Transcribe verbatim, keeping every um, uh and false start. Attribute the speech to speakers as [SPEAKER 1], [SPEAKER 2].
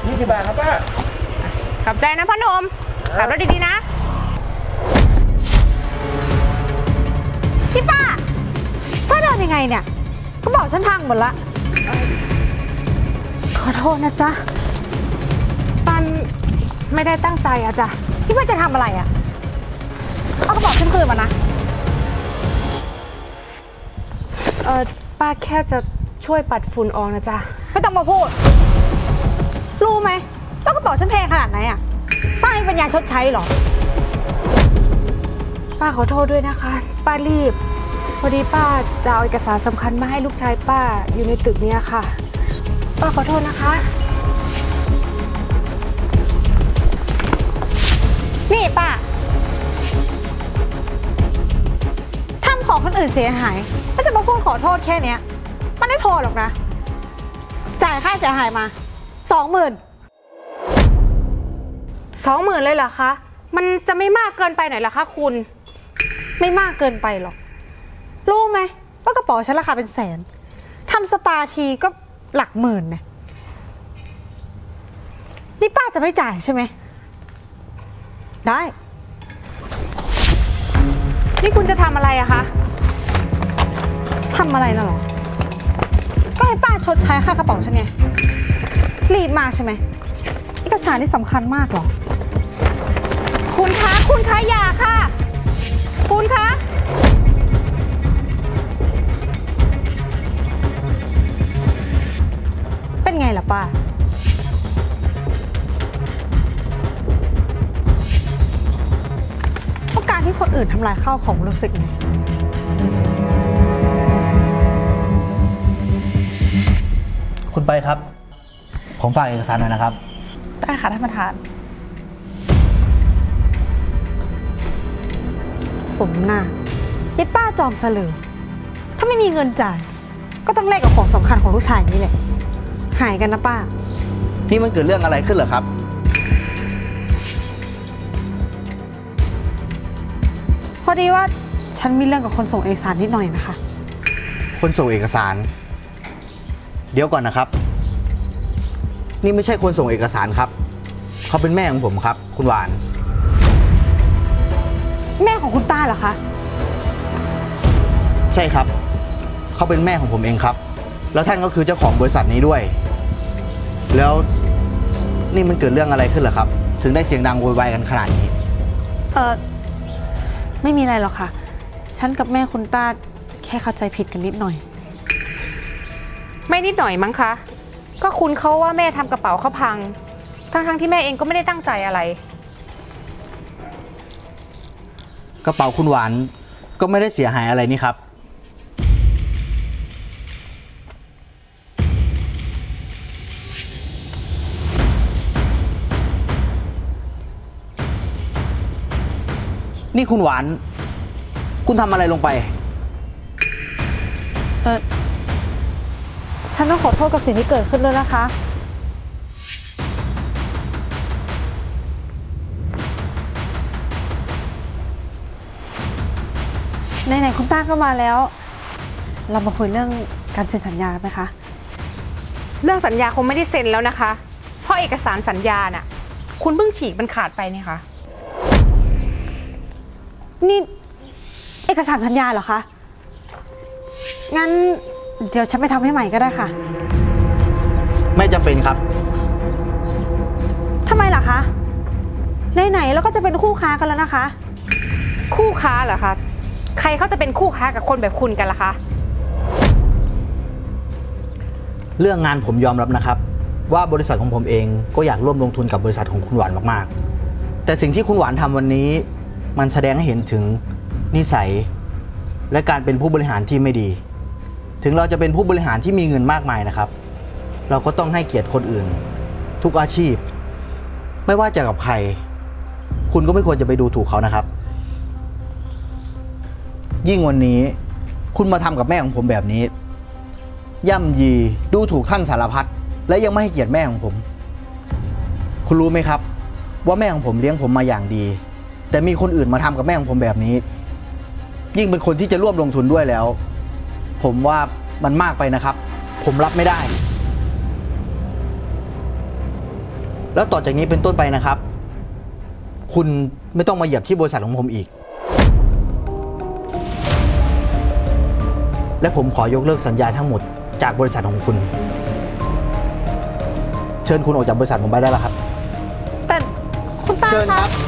[SPEAKER 1] ยี่สิบบาทครับป้า
[SPEAKER 2] ขอบใจนะพ่อหนุ่มขับรถดีๆนะ
[SPEAKER 3] พี่ป้าป้าเดินยังไงเนี่ยก็บอกฉันพังหมดละขอโทษนะจ๊ะ
[SPEAKER 2] ปันไม่ได้ตั้งใจอะจ้ะ
[SPEAKER 3] พี่ป้าจะทำอะไรอะเอากระเป๋าฉันคืนมานะ
[SPEAKER 2] เออป้าแค่จะช่วยปัดฝุ่นออกนะจ๊ะ
[SPEAKER 3] ไม่ต้องมาพูดรู้ไหมว่ากระเป๋าฉันแพงขนาดไหนอะป้ามีปัญญาชดใช้หรอ
[SPEAKER 2] ป้าขอโทษด้วยนะคะป้ารีบพอดีป้าจะเอาเอกสารสำคัญมาให้ลูกชายป้าอยู่ในตึกนี้ค่ะป้าขอโทษนะคะ
[SPEAKER 3] นี่ป้าทำของคนอื่นเสียหายก็จะมาพูดขอโทษแค่เนี้ยมันไม่พอหรอกนะจ่ายค่าเสียหายมาสองหมื่น
[SPEAKER 2] สองหมื่นเลยเหรอคะมันจะไม่มากเกินไปหน่อยเหรอคะคุณ
[SPEAKER 3] ไม่มากเกินไปหรอกรู้ไหมว่ากระเป๋าฉันราคาเป็นแสนทำสปาทีก็หลักหมื่นเนี่ยนี่ป้าจะไม่จ่ายใช่ไหมได้
[SPEAKER 2] นี่คุณจะทำอะไรอะคะ
[SPEAKER 3] ทำอะไรน่ะหรอก็ให้ป้าชดใช้ค่ากระเป๋าฉันไงรีบมากใช่ไหมเอกสารที่สำคัญมากหรอ
[SPEAKER 2] คุณคะคุณคะอย่าค่ะคุณคะ
[SPEAKER 3] เป็นไงล่ะป้าเพราะการที่คนอื่นทำลายข้าวของรู้สึกไง
[SPEAKER 1] คุณไปครับผมฝากเอกสารหน่อยนะครับ
[SPEAKER 2] ได้ค่ะท่านประธาน
[SPEAKER 3] สมหน้าไอ้ป้าจอมเสลือถ้าไม่มีเงินจ่ายก็ต้องแลกกับของสำคัญของลูกชายนี่แหละหายกันนะป้า
[SPEAKER 1] นี่มันเกิดเรื่องอะไรขึ้นเหรอครับ
[SPEAKER 3] พอดีว่าฉันมีเรื่องกับคนส่งเอกสารนิดหน่อยนะคะ
[SPEAKER 1] คนส่งเอกสารเดี๋ยวก่อนนะครับนี่ไม่ใช่คนส่งเอกสารครับเขาเป็นแม่ของผมครับคุณหวาน
[SPEAKER 3] แม่ของคุณต้าเหรอคะ
[SPEAKER 1] ใช่ครับเขาเป็นแม่ของผมเองครับแล้วท่านก็คือเจ้าของบริษัทนี้ด้วยแล้วนี่มันเกิดเรื่องอะไรขึ้นเหรอครับถึงได้เสียงดังโวยวายกันขนาดนี้
[SPEAKER 3] เออไม่มีอะไรหรอกค่ะฉันกับแม่คุณต้าแค่เข้าใจผิดกันนิดหน่อย
[SPEAKER 2] ไม่นิดหน่อยมั้งคะก็คุณเขาว่าแม่ทำกระเป๋าเขาพังทั้งๆที่แม่เองก็ไม่ได้ตั้งใจอะไร
[SPEAKER 1] กระเป๋าคุณหวานก็ไม่ได้เสียหายอะไรนี่ครับนี่คุณหวานคุณทำอะไรลงไป
[SPEAKER 3] เออฉันต้องขอโทษกับสิ่งที่เกิดขึ้นด้วยนะคะไหนๆคุณต้าก็มาแล้วเรามาคุยเรื่องการเซ็นสัญญาไหมคะ
[SPEAKER 2] เรื่องสัญญาคงไม่ได้เซ็นแล้วนะคะเพราะเอกสารสัญญาน่ะคุณเพิ่งฉีกมันขาดไปนี่ค่ะ
[SPEAKER 3] นี่เอกสารสัญญาเหรอคะงั้นเดี๋ยวฉันไปทำให้ใหม่ก็ได้ค่ะ
[SPEAKER 1] ไม่จำเป็นครับ
[SPEAKER 3] ทำไมล่ะคะไหนๆแล้วก็จะเป็นคู่ค้ากันแล้วนะคะ
[SPEAKER 2] คู่ค้าเหรอคะใครเขาจะเป็นคู่ค้ากับคนแบบคุณกันล่ะคะ
[SPEAKER 1] เรื่องงานผมยอมรับนะครับว่าบริษัทของผมเองก็อยากร่วมลงทุนกับบริษัทของคุณหวานมากๆแต่สิ่งที่คุณหวานทำวันนี้มันแสดงให้เห็นถึงนิสัยและการเป็นผู้บริหารที่ไม่ดีถึงเราจะเป็นผู้บริหารที่มีเงินมากมายนะครับเราก็ต้องให้เกียรติคนอื่นทุกอาชีพไม่ว่าจะกับใครคุณก็ไม่ควรจะไปดูถูกเขานะครับยิ่งวันนี้คุณมาทำกับแม่ของผมแบบนี้ย่ำยีดูถูกท่านสารพัดและยังไม่ให้เกียรติแม่ของผมคุณรู้ไหมครับว่าแม่ของผมเลี้ยงผมมาอย่างดีแต่มีคนอื่นมาทำกับแม่ของผมแบบนี้ยิ่งเป็นคนที่จะร่วมลงทุนด้วยแล้วผมว่ามันมากไปนะครับผมรับไม่ได้แล้วต่อจากนี้เป็นต้นไปนะครับ คุณไม่ต้องมาเหยียบที่บริษัทของผมอีก และผมขอยกเลิกสัญญาทั้งหมดจากบริษัทของคุณ เชิญคุณออกจากบริษัทผมไปได้แล้วครับ
[SPEAKER 3] แต่คุณป้า
[SPEAKER 1] เชิญค
[SPEAKER 3] คะ
[SPEAKER 1] รับ